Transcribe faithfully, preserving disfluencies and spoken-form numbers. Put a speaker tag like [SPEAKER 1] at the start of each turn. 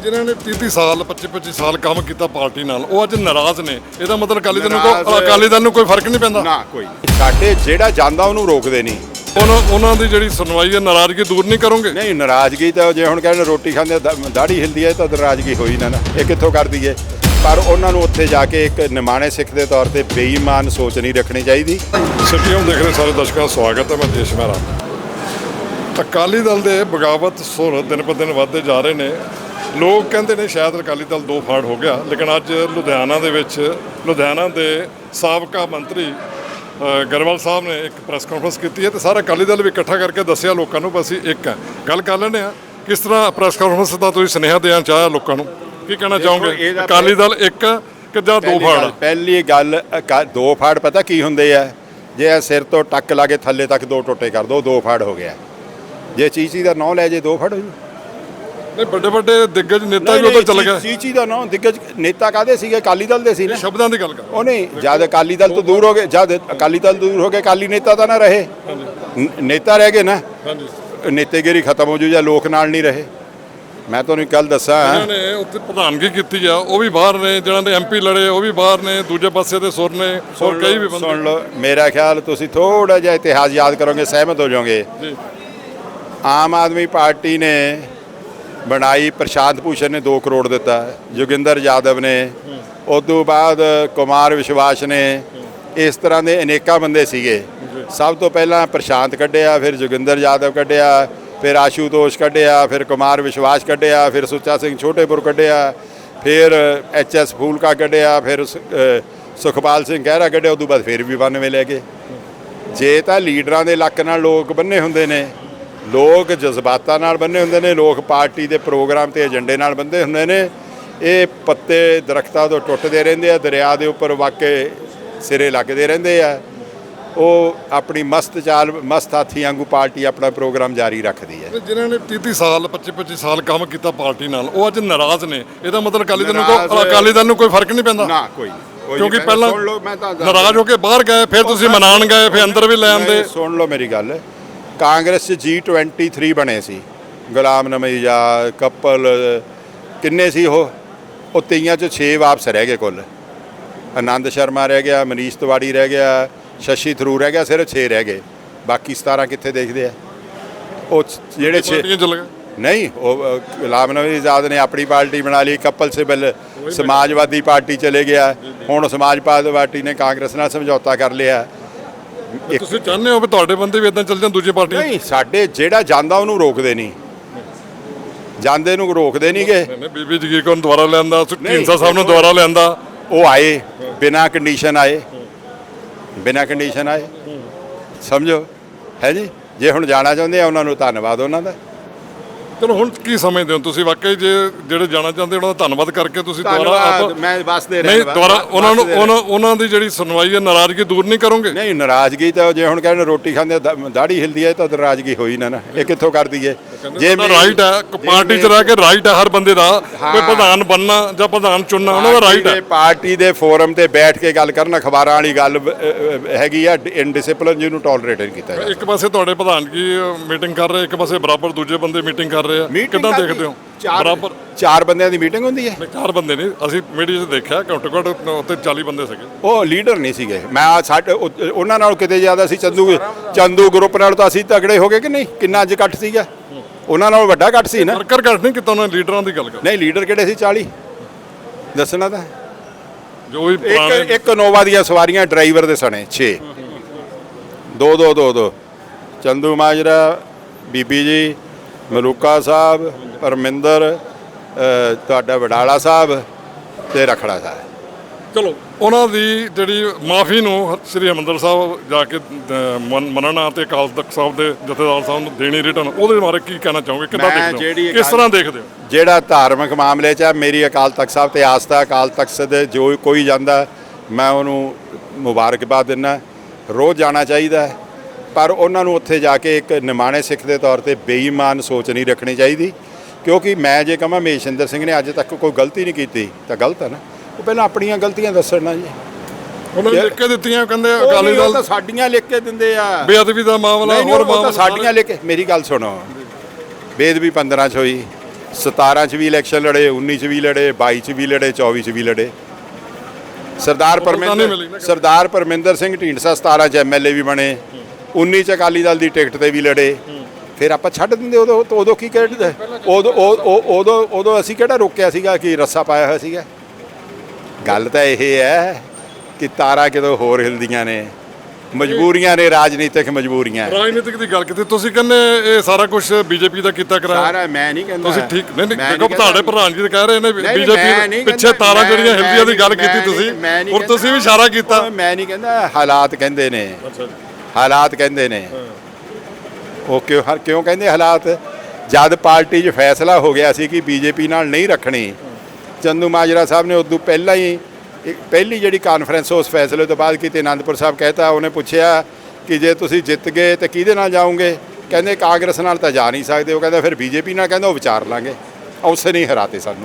[SPEAKER 1] ਜਿਨ੍ਹਾਂ ਨੇ तीस तीस साल पच्चीस पच्चीस साल काम ਕੀਤਾ ਪਾਰਟੀ ਨਾਲ ਉਹ ਅੱਜ ਨਾਰਾਜ਼ ਨੇ। ਇਹਦਾ ਮਤਲਬ ਅਕਾਲੀ ਦਲ ਨੂੰ ਕੋਈ ਅਕਾਲੀ ਦਲ ਨੂੰ ਕੋਈ ਫਰਕ ਨਹੀਂ ਪੈਂਦਾ
[SPEAKER 2] ਨਾ ਕੋਈ ਸਾਡੇ ਜਿਹੜਾ ਜਾਂਦਾ ਉਹਨੂੰ ਰੋਕਦੇ ਨਹੀਂ।
[SPEAKER 1] ਉਹਨਾਂ ਉਹਨਾਂ ਦੀ ਜਿਹੜੀ ਸੁਣਵਾਈ ਹੈ ਨਾਰਾਜ਼ਗੀ ਦੂਰ ਨਹੀਂ ਕਰੋਗੇ?
[SPEAKER 2] ਨਹੀਂ ਨਾਰਾਜ਼ਗੀ ਤਾਂ ਜੇ ਹੁਣ ਕਹਿੰਦੇ ਰੋਟੀ ਖਾਂਦੇ ਦਾੜੀ ਹਿਲਦੀ ਹੈ ਤਾਂ ਨਾਰਾਜ਼ਗੀ ਹੋਈ ਨਾ ਨਾ ਇਹ ਕਿੱਥੋਂ ਕਰ ਦਈਏ। ਪਰ ਉਹਨਾਂ ਨੂੰ ਉੱਥੇ ਜਾ ਕੇ ਇੱਕ ਨਿਮਾਣੇ ਸਿੱਖ ਦੇ ਤੌਰ ਤੇ ਬੇਈਮਾਨ ਸੋਚ ਨਹੀਂ ਰੱਖਣੀ ਚਾਹੀਦੀ।
[SPEAKER 1] ਸਿੱਧੀਆਂ ਦੇਖ ਰਹੇ ਸਾਰੇ ਦਰਸ਼ਕਾਂ ਦਾ ਸਵਾਗਤ ਹੈ। ਮੈਂ ਦੇਸ਼ ਮਹਿਰਾ। ਅਕਾਲੀ ਦਲ ਦੇ ਬਗਾਵਤ ਸੁਰ ਦਿਨ ਬ ਦਿਨ ਵੱਧਦੇ ਜਾ ਰਹੇ ਨੇ। ਲੋਕ ਕਹਿੰਦੇ ਨੇ ਸ਼ਾਇਦ ਅਕਾਲੀ ਦਲ ਦੋ ਫਾੜ ਹੋ ਗਿਆ, ਲੇਕਿਨ ਅੱਜ ਲੁਧਿਆਣਾ ਦੇ ਵਿੱਚ ਲੁਧਿਆਣਾ ਦੇ ਸਾਬਕਾ ਮੰਤਰੀ ਗਰੇਵਾਲ ਸਾਹਿਬ ਨੇ ਇੱਕ ਪ੍ਰੈਸ ਕਾਨਫਰੰਸ ਕੀਤੀ ਹੈ ਤੇ ਸਾਰਾ ਅਕਾਲੀ ਦਲ ਵੀ ਇਕੱਠਾ ਕਰਕੇ ਦੱਸਿਆ ਲੋਕਾਂ ਨੂੰ ਅਸੀਂ ਇੱਕ ਹੈ। ਗੱਲ ਕਰ ਲੈਂਦੇ ਹਾਂ ਕਿਸ ਤਰ੍ਹਾਂ ਪ੍ਰੈਸ ਕਾਨਫਰੰਸ ਦਾ ਤੁਸੀਂ ਸੁਨੇਹਾ ਦੇਣਾ ਚਾਹਿਆ ਲੋਕਾਂ ਨੂੰ, ਕੀ ਕਹਿਣਾ ਚਾਹੋਗੇ? ਅਕਾਲੀ ਦਲ ਇੱਕ ਕਿ ਜਾਂ ਦੋ ਫਾੜ?
[SPEAKER 2] ਪਹਿਲੀ ਗੱਲ ਦੋ ਫਾੜ ਪਤਾ ਕੀ ਹੁੰਦੇ ਆ? ਜੇ ਸਿਰ ਤੋਂ ਟੱਕ ਲਾ ਕੇ ਥੱਲੇ ਤੱਕ ਦੋ ਟੋਟੇ ਕਰ ਦੋ ਦੋ ਫਾੜ ਹੋ ਗਿਆ। ਜੇ ਚੀਚੀ ਦਾ ਨਾਂ ਲੈ ਜੇ ਦੋ ਫਾੜ ਹੋ ਜੂ।
[SPEAKER 1] ਨਹੀਂ ਵੱਡੇ ਵੱਡੇ ਦਿੱਗਜ ਨੇਤਾ ਵੀ ਉਧਰ ਚਲੇ ਗਏ।
[SPEAKER 2] ਚੀਚੀ ਦਾ ਨਾਂ ਦਿੱਗਜ ਨੇਤਾ ਕਾਹਦੇ ਸੀਗੇ? ਅਕਾਲੀ ਦਲ ਦੇ ਸੀ ਨਾ।
[SPEAKER 1] ਸ਼ਬਦਾਂ ਦੀ ਗੱਲ ਕਰ
[SPEAKER 2] ਉਹ ਨਹੀਂ, ਜਦ ਅਕਾਲੀ ਦਲ ਤੋਂ ਦੂਰ ਹੋ ਗਏ, ਜਦ ਅਕਾਲੀ ਦਲ ਦੂਰ ਹੋ ਗਏ ਅਕਾਲੀ ਨੇਤਾ ਤਾਂ ਨਾ ਰਹੇ, ਨੇਤਾ ਰਹਿ ਗਏ ਨਾ। ਨੇਤੇਗਿਰੀ ਖਤਮ ਹੋ ਜੂ ਜਾਂ ਲੋਕ ਨਾਲ ਨਹੀਂ ਰਹੇ। ਮੈਂ ਤੁਹਾਨੂੰ ਇੱਕ ਗੱਲ ਦੱਸਾਂ,
[SPEAKER 1] ਇਹਨਾਂ ਨੇ ਉੱਥੇ ਪ੍ਰਧਾਨਗੀ ਕੀਤੀ ਆ ਉਹ ਵੀ ਬਾਹਰ ਨੇ, ਜਿਹਨਾਂ ਦੇ ਐਮਪੀ ਲੜੇ ਉਹ ਵੀ ਬਾਹਰ ਨੇ, ਦੂਜੇ ਪਾਸੇ ਦੇ ਸੁਰ ਨੇ ਹੋਰ ਕਈ ਵੀ ਬੰਦੇ।
[SPEAKER 2] ਸੁਣ ਲਓ ਮੇਰਾ ਖਿਆਲ, ਤੁਸੀਂ ਥੋੜਾ ਜਿਹਾ ਇਤਿਹਾਸ ਯਾਦ ਕਰੋਗੇ ਸਹਿਮਤ ਹੋ ਜਾਓਗੇ। ਆਮ ਆਦਮੀ ਪਾਰਟੀ ਨੇ ਬਣਾਈ, ਪ੍ਰਸ਼ਾਂਤ ਭੂਸ਼ਣ ਨੇ ਦੋ ਕਰੋੜ ਦਿੱਤਾ, ਜੋਗਿੰਦਰ ਯਾਦਵ ਨੇ, ਉਸ ਤੋਂ ਬਾਅਦ ਕੁਮਾਰ ਵਿਸ਼ਵਾਸ ਨੇ, ਇਸ ਤਰ੍ਹਾਂ ਦੇ ਅਨੇਕਾਂ ਬੰਦੇ ਸੀਗੇ। ਸਭ ਤੋਂ ਪਹਿਲਾਂ ਪ੍ਰਸ਼ਾਂਤ ਕੱਢਿਆ, ਫਿਰ ਜੋਗਿੰਦਰ ਯਾਦਵ ਕੱਢਿਆ, ਫਿਰ ਆਸ਼ੂਤੋਸ਼ ਕੱਢਿਆ, ਫਿਰ ਕੁਮਾਰ ਵਿਸ਼ਵਾਸ ਕੱਢਿਆ, ਫਿਰ ਸੁੱਚਾ ਸਿੰਘ ਛੋਟੇਪੁਰ ਕੱਢਿਆ, ਫਿਰ ਐਚ ਐਸ ਫੂਲਕਾ ਕੱਢਿਆ, ਫਿਰ ਸੁਖਪਾਲ ਸਿੰਘ ਗਹਿਰਾ ਕੱਢਿਆ। ਉਸ ਤੋਂ ਬਾਅਦ ਫਿਰ ਵੀ ਬਾਨਵੇਂ ਲੈ ਗਏ। ਜੇ ਤਾਂ ਲੀਡਰਾਂ ਦੇ ਲੱਕ ਨਾਲ ਲੋਕ ਬੰਨੇ ਹੁੰਦੇ ਨੇ, ਲੋਕ ਜਜ਼ਬਾਤਾਂ ਨਾਲ ਬੰਨੇ ਹੁੰਦੇ ਨੇ, ਲੋਕ ਪਾਰਟੀ ਦੇ ਪ੍ਰੋਗਰਾਮ ਤੇ ਏਜੰਡੇ ਨਾਲ ਬੰਦੇ ਹੁੰਦੇ ਨੇ। ਇਹ ਪੱਤੇ ਦਰਖਤਾਂ ਤੋਂ ਟੁੱਟਦੇ ਰਹਿੰਦੇ ਆ, ਦਰਿਆ ਦੇ ਉੱਪਰ ਵਾਕੇ ਸਿਰੇ ਲੱਗਦੇ ਰਹਿੰਦੇ ਆ। ਉਹ ਆਪਣੀ ਮਸਤ ਚਾਲ ਮਸਤ ਹਾਥੀ ਵਾਂਗੂ ਪਾਰਟੀ ਆਪਣਾ ਪ੍ਰੋਗਰਾਮ ਜਾਰੀ ਰੱਖਦੀ ਹੈ।
[SPEAKER 1] ਜਿਨ੍ਹਾਂ ਨੇ तीस तीस साल पच्चीस पच्चीस साल ਕੰਮ ਕੀਤਾ ਪਾਰਟੀ ਨਾਲ ਉਹ ਅੱਜ ਨਾਰਾਜ਼ ਨੇ। ਇਹਦਾ ਮਤਲਬ ਅਕਾਲੀ ਦਲ ਨੂੰ ਕੋਈ ਅਕਾਲੀ ਦਲ ਨੂੰ ਕੋਈ ਫਰਕ ਨਹੀਂ ਪੈਂਦਾ
[SPEAKER 2] ਨਾ ਕੋਈ।
[SPEAKER 1] ਕਿਉਂਕਿ ਪਹਿਲਾਂ ਨਾਰਾਜ਼ ਹੋ ਕੇ ਬਾਹਰ ਗਏ, ਫਿਰ ਤੁਸੀਂ ਮਨਾਉਣ ਗਏ, ਫਿਰ ਅੰਦਰ ਵੀ ਲੈ ਆਂਦੇ।
[SPEAKER 2] ਸੁਣ ਲਓ ਮੇਰੀ ਗੱਲ, ਕਾਂਗਰਸ 'ਚ ਜੀ ਟਵੈਂਟੀ ਥਰੀ ਬਣੇ ਸੀ, ਗੁਲਾਮ ਨਬੀ ਆਜ਼ਾਦ, ਕਪਲ, ਕਿੰਨੇ ਸੀ ਉਹ? ਉਹ ਤੇਈਆਂ 'ਚ ਛੇ ਵਾਪਸ ਰਹਿ ਗਏ ਕੁੱਲ। ਆਨੰਦ ਸ਼ਰਮਾ ਰਹਿ ਗਿਆ, ਮਨੀਸ਼ ਤਿਵਾੜੀ ਰਹਿ ਗਿਆ, ਸ਼ਸ਼ੀ ਥਰੂਰ ਰਹਿ ਗਿਆ, ਸਿਰਫ ਛੇ ਰਹਿ ਗਏ। ਬਾਕੀ ਸਤਾਰਾਂ ਕਿੱਥੇ ਦੇਖਦੇ ਆ? ਉਹ ਜਿਹੜੇ ਛੇ ਨਹੀਂ, ਉਹ ਗੁਲਾਮ ਨਬੀ ਆਜ਼ਾਦ ਨੇ ਆਪਣੀ ਪਾਰਟੀ ਬਣਾ ਲਈ, ਕਪਲ ਸਿਬਲ ਸਮਾਜਵਾਦੀ ਪਾਰਟੀ ਚਲੇ ਗਿਆ, ਹੁਣ ਸਮਾਜਵਾਦੀ ਪਾਰਟੀ ਨੇ ਕਾਂਗਰਸ ਨਾਲ ਸਮਝੌਤਾ ਕਰ ਲਿਆ।
[SPEAKER 1] ਤੁਸੀਂ ਚਾਹੁੰਦੇ ਹੋ ਵੀ ਤੁਹਾਡੇ ਬੰਦੇ ਵੀ ਇਦਾਂ ਚੱਲ ਜਾਣ ਦੂਜੀ ਪਾਰਟੀ?
[SPEAKER 2] ਨਹੀਂ, ਸਾਡੇ ਜਿਹੜਾ ਜਾਂਦਾ ਉਹਨੂੰ ਰੋਕਦੇ ਨਹੀਂ, ਜਾਂਦੇ ਨੂੰ ਰੋਕਦੇ ਨਹੀਂ ਗੇ।
[SPEAKER 1] ਬੀਬੀ ਜਗੀਰ ਕੌਰ ਨੂੰ ਦੁਬਾਰਾ ਲਿਆਂਦਾ, ਢੀਂਡਸਾ ਸਾਹਿਬ ਨੂੰ ਦੁਬਾਰਾ ਲਿਆਂਦਾ,
[SPEAKER 2] ਉਹ ਆਏ ਬਿਨਾਂ ਕੰਡੀਸ਼ਨ ਆਏ, ਬਿਨਾਂ ਕੰਡੀਸ਼ਨ ਆਏ, ਸਮਝੋ ਹੈ ਜੀ। ਜੇ ਹੁਣ ਜਾਣਾ ਚਾਹੁੰਦੇ ਆ ਉਹਨਾਂ ਨੂੰ ਧੰਨਵਾਦ ਉਹਨਾਂ ਦਾ।
[SPEAKER 1] ਚਲੋ ਹੁਣ ਕੀ ਸਮਝਦੇ ਹੋ ਤੁਸੀਂ? ਵਾਕਈ ਜੇ ਜਿਹੜੇ ਜਾਣਾ ਚਾਹੁੰਦੇ ਉਹਨਾਂ ਦਾ ਧੰਨਵਾਦ ਕਰਕੇ ਤੁਸੀਂ ਦੁਬਾਰਾ
[SPEAKER 2] ਮੈਂ ਬਸ ਦੇ ਰਿਹਾ
[SPEAKER 1] ਨਹੀਂ ਦੁਬਾਰਾ ਉਹਨਾਂ ਨੂੰ ਉਹਨਾਂ ਦੀ ਜਿਹੜੀ ਸੁਣਵਾਈ ਹੈ ਨਾਰਾਜ਼ਗੀ ਦੂਰ ਨਹੀਂ ਕਰੋਗੇ?
[SPEAKER 2] ਨਹੀਂ ਨਾਰਾਜ਼ਗੀ ਤਾਂ ਜੇ ਹੁਣ ਕਹਿੰਦੇ ਰੋਟੀ ਖਾਂਦੇ ਦਾੜੀ ਹਿਲਦੀ ਹੈ ਤਾਂ ਨਾਰਾਜ਼ਗੀ ਹੋਈ ਨਾ ਨਾ ਇਹ ਕਿੱਥੋਂ ਕਰ ਦਈਏ?
[SPEAKER 1] ਜੇ ਰਾਈਟ ਹੈ ਪਾਰਟੀ 'ਚ ਰਹਿ ਕੇ, ਰਾਈਟ ਹੈ ਹਰ ਬੰਦੇ ਦਾ, ਕੋਈ ਪ੍ਰਧਾਨ ਬਣਨਾ ਜਾਂ ਪ੍ਰਧਾਨ ਚੁਣਨਾ ਉਹਨਾਂ ਦਾ ਰਾਈਟ ਹੈ।
[SPEAKER 2] ਪਾਰਟੀ ਦੇ ਫੋਰਮ ਤੇ ਬੈਠ ਕੇ ਗੱਲ ਕਰਨ ਅਖਬਾਰਾਂ ਵਾਲੀ ਗੱਲ ਹੈਗੀ ਆ, ਇਨਡਿਸਪਲਿਨ ਜਿਹਨੂੰ ਟੋਲਰੇਟ ਨਹੀਂ ਕੀਤਾ।
[SPEAKER 1] ਇੱਕ ਪਾਸੇ ਤੁਹਾਡੇ ਪ੍ਰਧਾਨ ਕੀ ਮੀਟਿੰਗ ਕਰ ਰਹੇ, ਇੱਕ ਪਾਸੇ ਬਰਾਬਰ ਦੂਜੇ ਬੰਦੇ ਮੀਟਿੰਗ ਕਰ ਰਹੇ ਆ, ਕਿੱਦਾਂ ਦੇਖਦੇ ਹੋ?
[SPEAKER 2] ਬਰਾਬਰ ਚਾਰ ਬੰਦਿਆਂ ਦੀ ਮੀਟਿੰਗ ਹੁੰਦੀ ਹੈ?
[SPEAKER 1] ਚਾਰ ਬੰਦੇ ਨਹੀਂ, ਅਸੀਂ ਮੀਡੀਆ 'ਚ ਦੇਖਿਆ ਘੱਟੋ ਘੱਟ ਉੱਤੇ ਚਾਲੀ ਬੰਦੇ ਸੀਗੇ।
[SPEAKER 2] ਉਹ ਲੀਡਰ ਨਹੀਂ ਸੀਗੇ। ਮੈਂ ਸਾਡੇ ਉਹਨਾਂ ਨਾਲ ਕਿਤੇ ਜ਼ਿਆਦਾ ਸੀ, ਚੰਦੂ ਚੰਦੂ ਗਰੁੱਪ ਨਾਲ ਤਾਂ ਅਸੀਂ ਤਗੜੇ ਹੋ ਗਏ ਕਿ ਨਹੀਂ? ਕਿੰਨਾ ਅੱਜ ਇਕੱਠ ਸੀਗਾ, ਉਹਨਾਂ ਨਾਲ ਵੱਡਾ ਇਕੱਠ ਸੀ ਨਾ।
[SPEAKER 1] ਵਰਕਰ ਘੱਟ ਨਹੀਂ ਕੀਤਾ ਉਹਨਾਂ ਲੀਡਰਾਂ ਦੀ ਗੱਲ ਕਰ।
[SPEAKER 2] ਨਹੀਂ ਲੀਡਰ ਕਿਹੜੇ ਸੀ? ਚਾਲੀ ਦੱਸਣਾ ਤਾਂ
[SPEAKER 1] ਜੋ ਵੀ
[SPEAKER 2] ਇੱਕ ਇੱਕ ਨੋਵਾ ਦੀਆਂ ਸਵਾਰੀਆਂ ਡਰਾਈਵਰ ਦੇ ਸਣੇ ਛੇ, ਦੋ ਦੋ ਦੋ ਦੋ ਚੰਦੂ ਮਾਜਰਾ, ਬੀਬੀ ਜੀ, ਮਲੂਕਾ ਸਾਹਿਬ, ਪਰਮਿੰਦਰ, ਤੁਹਾਡਾ ਵਡਾਲਾ ਸਾਹਿਬ ਤੇ ਰਖੜਾ ਸਾਹਿਬ।
[SPEAKER 1] ਚਲੋ ਉਹਨਾਂ ਦੀ ਜਿਹੜੀ ਮਾਫੀ ਨੂੰ ਸ੍ਰੀ ਹਰਿਮੰਦਰ ਸਾਹਿਬ ਜਾ ਕੇ ਮੰਨਣਾ ਤੇ ਅਕਾਲ ਤਖਤ ਸਾਹਿਬ ਦੇ ਜਥੇਦਾਰ ਸਾਹਿਬ ਨੂੰ ਦੇਣੀ ਰਿਟਰਨ, ਉਹਦੇ ਬਾਰੇ ਕੀ ਕਹਿਣਾ ਚਾਹੋਗੇ? ਕਿੱਦਾਂ ਦੇਖਦੇ ਹੋ, ਕਿਸ ਤਰ੍ਹਾਂ ਦੇਖਦੇ ਹੋ?
[SPEAKER 2] ਜਿਹੜਾ ਧਾਰਮਿਕ ਮਾਮਲੇ 'ਚ ਮੇਰੀ ਅਕਾਲ ਤਖਤ ਸਾਹਿਬ ਤੇ ਆਸਥਾ, ਅਕਾਲ ਤਖਤ ਦੇ ਜੋ ਕੋਈ ਜਾਂਦਾ ਮੈਂ ਉਹਨੂੰ ਮੁਬਾਰਕਬਾਦ ਦਿੰਦਾ। ਰੋਜ਼ ਜਾਣਾ ਚਾਹੀਦਾ, ਪਰ ਉਹਨਾਂ ਨੂੰ ਉੱਥੇ ਜਾ ਕੇ ਇੱਕ ਨਿਮਾਣੇ ਸਿੱਖ ਦੇ ਤੌਰ ਤੇ ਬੇਈਮਾਨ ਸੋਚ ਨਹੀਂ ਰੱਖਣੀ ਚਾਹੀਦੀ। ਕਿਉਂਕਿ ਮੈਂ ਜੇ ਕਹਾਂ ਮਹੇਸ਼ਿੰਦਰ ਸਿੰਘ ਨੇ ਅੱਜ ਤੱਕ ਕੋਈ ਗਲਤੀ ਨਹੀਂ ਕੀਤੀ ਤਾਂ ਗਲਤ ਹੈ ਨਾ। ਉਹ ਪਹਿਲਾਂ ਆਪਣੀਆਂ ਗਲਤੀਆਂ ਦੱਸਣਾ ਜੀ।
[SPEAKER 1] ਉਹਨਾਂ ਨੇ ਲਿਖ ਕੇ ਦਿੱਤੀਆਂ, ਕਹਿੰਦੇ ਅਕਾਲੀ ਦਲ
[SPEAKER 2] ਤਾਂ ਸਾਡੀਆਂ ਲਿਖ ਕੇ ਦਿੰਦੇ ਆ।
[SPEAKER 1] ਬੇਅਦਬੀ ਦਾ ਮਾਮਲਾ, ਹੋਰ ਮਾਮਲਾ
[SPEAKER 2] ਸਾਡੀਆਂ ਲਿਖ ਕੇ। ਮੇਰੀ ਗੱਲ ਸੁਣੋ, ਬੇਅਦਬੀ ਪੰਦਰਾਂ 'ਚ ਹੋਈ, ਸਤਾਰਾਂ 'ਚ ਵੀ ਇਲੈਕਸ਼ਨ ਲੜੇ, ਉੱਨੀ 'ਚ ਵੀ ਲੜੇ, ਬਾਈ 'ਚ ਵੀ ਲੜੇ, ਚੌਵੀ 'ਚ ਵੀ ਲੜੇ। ਸਰਦਾਰ
[SPEAKER 1] ਉਹ ਤਾਂ ਨਹੀਂ ਮਿਲੀ ਨਾ
[SPEAKER 2] ਪਰਮਿੰਦਰ
[SPEAKER 1] ਕਦੇ।
[SPEAKER 2] ਸਰਦਾਰ ਪਰਮਿੰਦਰ ਸਿੰਘ ਢੀਂਡਸਾ ਸਤਾਰਾਂ 'ਚ ਐਮਐਲਏ ਵੀ ਬਣੇ, ਉੱਨੀ 'ਚ ਅਕਾਲੀ ਦਲ ਦੀ ਟਿਕਟ ਤੇ ਵੀ ਲੜੇ। ਫਿਰ ਆਪਾਂ ਛੱਡ ਦਿੰਦੇ ਉਦੋਂ ਤਾਂ ਉਦੋਂ ਕੀ ਕਹਿੰਦੇ ਉਦੋਂ ਉਹ- ਉਹ- ਉਦੋਂ ਉਦੋਂ ਅਸੀਂ ਕਿਹੜਾ ਰੋਕਿਆ ਸੀਗਾ ਕਿ ਰੱਸਾ ਪਾਇਆ ਹੋਇਆ ਸੀਗਾ। ਗੱਲ ਤਾਂ ਇਹ ਹੈ ਕਿ ਤਾਰਾਂ ਕਿਦੋਂ ਹੋਰ ਹਿਲਦੀਆਂ ਨੇ, ਮਜਬੂਰੀਆਂ ਨੇ, ਰਾਜਨੀਤਿਕ ਮਜਬੂਰੀਆਂ।
[SPEAKER 1] ਰਾਜਨੀਤਿਕ ਦੀ ਗੱਲ ਕੀਤੀ ਤੁਸੀਂ ਕਹਿੰਦੇ ਇਹ ਸਾਰਾ ਕੁਝ ਬੀਜੇਪੀ ਦਾ ਕੀਤਾ ਕਰਾਇਆ।
[SPEAKER 2] ਸਾਰਾ ਮੈਂ ਨਹੀਂ ਕਹਿੰਦਾ
[SPEAKER 1] ਤੁਸੀਂ ਠੀਕ ਨਹੀਂ ਨਹੀਂ
[SPEAKER 2] ਮੈਂ
[SPEAKER 1] ਦੇਖੋ
[SPEAKER 2] ਕਹਿੰਦਾ-
[SPEAKER 1] ਤੁਹਾਡੇ ਪ੍ਰਧਾਨ ਜੀ ਤਾਂ ਕਹਿ ਰਹੇ ਨੇ
[SPEAKER 2] ਨਹੀਂ, ਮੈਂ
[SPEAKER 1] ਬੀਜੇਪੀ
[SPEAKER 2] ਨਹੀਂ
[SPEAKER 1] ਪਿੱਛੇ
[SPEAKER 2] ਕਹਿੰਦਾ,
[SPEAKER 1] ਤਾਰਾਂ
[SPEAKER 2] ਮੈਂ-
[SPEAKER 1] ਜਿਹੜੀਆਂ
[SPEAKER 2] ਮੈਂ
[SPEAKER 1] ਹਿਲਦੀਆਂ ਦੀ ਗੱਲ
[SPEAKER 2] ਨਹੀਂ-
[SPEAKER 1] ਕੀਤੀ
[SPEAKER 2] ਮੈਂ
[SPEAKER 1] ਤੁਸੀਂ
[SPEAKER 2] ਮੈਂ ਨਹੀਂ
[SPEAKER 1] ਔਰ
[SPEAKER 2] ਕਹਿੰਦਾ।
[SPEAKER 1] ਤੁਸੀਂ ਵੀ ਇਸ਼ਾਰਾ ਕੀਤਾ।
[SPEAKER 2] ਮੈਂ ਨਹੀਂ ਕਹਿੰਦਾ, ਹਾਲਾਤ ਕਹਿੰਦੇ ਨੇ,
[SPEAKER 1] ਅੱਛਾ ਜੀ।
[SPEAKER 2] ਹਾਲਾਤ ਕਹਿੰਦੇ ਨੇ। ਉਹ ਕਿਉਂ ਹਰ ਕਿਉਂ ਕਹਿੰਦੇ ਹਾਲਾਤ? ਜਦ ਪਾਰਟੀ 'ਚ ਫੈਸਲਾ ਹੋ ਗਿਆ ਸੀ ਕਿ ਬੀਜੇਪੀ ਨਾਲ ਨਹੀਂ ਰੱਖਣੀ, ਚੰਦੂ ਮਾਜਰਾ ਸਾਹਿਬ ਨੇ ਉਦੋਂ ਪਹਿਲਾਂ ਹੀ ਇੱਕ ਪਹਿਲੀ ਜਿਹੜੀ ਕਾਨਫਰੰਸ ਉਸ ਫੈਸਲੇ ਤੋਂ ਬਾਅਦ ਕੀਤੀ, ਅਨੰਦਪੁਰ ਸਾਹਿਬ ਕਹਿਤਾ, ਉਹਨੇ ਪੁੱਛਿਆ ਕਿ ਜੇ ਤੁਸੀਂ ਜਿੱਤ ਗਏ ਤਾਂ ਕਿਹਦੇ ਨਾਲ ਜਾਓਗੇ? ਕਹਿੰਦੇ ਕਾਂਗਰਸ ਨਾਲ ਤਾਂ ਜਾ ਨਹੀਂ ਸਕਦੇ। ਉਹ ਕਹਿੰਦਾ ਫਿਰ ਬੀਜੇਪੀ ਨਾਲ, ਕਹਿੰਦਾ ਉਹ ਵਿਚਾਰ ਲਾਂਗੇ। ਉਸੇ ਨਹੀਂ ਹਰਾਤੇ ਸਾਨੂੰ।